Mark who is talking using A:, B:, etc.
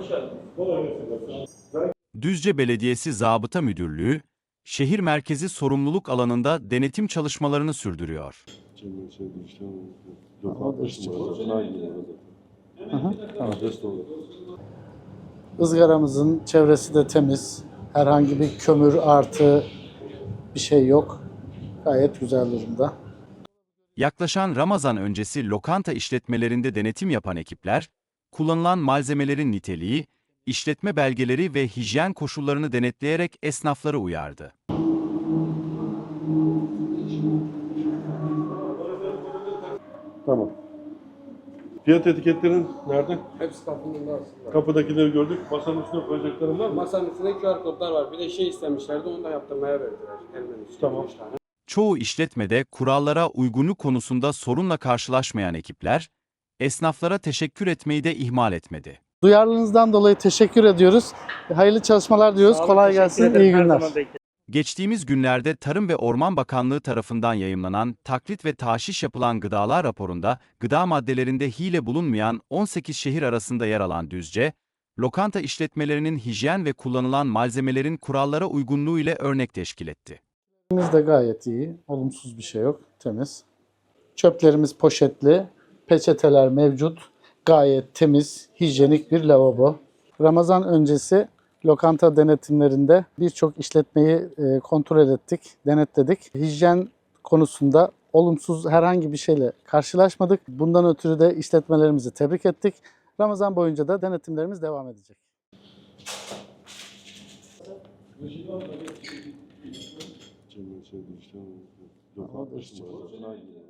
A: Düzce Belediyesi Zabıta Müdürlüğü, şehir merkezi sorumluluk alanında denetim çalışmalarını sürdürüyor.
B: Izgaramızın çevresi de temiz. Herhangi bir kömür artı bir şey yok. Gayet güzel durumda.
A: Yaklaşan Ramazan öncesi lokanta işletmelerinde denetim yapan ekipler, kullanılan malzemelerin niteliği, işletme belgeleri ve hijyen koşullarını denetleyerek esnafları uyardı.
C: Tamam. Fiyat etiketlerin nerede?
D: Hepsi kapının arasında.
C: Kapıdakileri gördük. Masanın üstüne koyacakların var mı?
D: Masanın üstünde QR kodlar var. Bir de şey istemişlerdi, onu da yaptırmaya verdiler. Hemen üstüne
C: Tamam.
D: 5 tane.
A: Çoğu işletmede kurallara uygunluk konusunda sorunla karşılaşmayan ekipler, esnaflara teşekkür etmeyi de ihmal etmedi.
B: Duyarlılığınızdan dolayı teşekkür ediyoruz. Hayırlı çalışmalar diyoruz. Kolay gelsin. İyi günler.
A: Geçtiğimiz günlerde Tarım ve Orman Bakanlığı tarafından yayımlanan taklit ve taşiş yapılan gıdalar raporunda gıda maddelerinde hile bulunmayan 18 şehir arasında yer alan Düzce, lokanta işletmelerinin hijyen ve kullanılan malzemelerin kurallara uygunluğu ile örnek teşkil etti.
B: Biz de gayet iyi. Olumsuz bir şey yok. Temiz. Çöplerimiz poşetli. Peçeteler mevcut. Gayet temiz, hijyenik bir lavabo. Ramazan öncesi lokanta denetimlerinde birçok işletmeyi kontrol ettik, denetledik. Hijyen konusunda olumsuz herhangi bir şeyle karşılaşmadık. Bundan ötürü de işletmelerimizi tebrik ettik. Ramazan boyunca da denetimlerimiz devam edecek.
C: Cemil şey işte. Yok,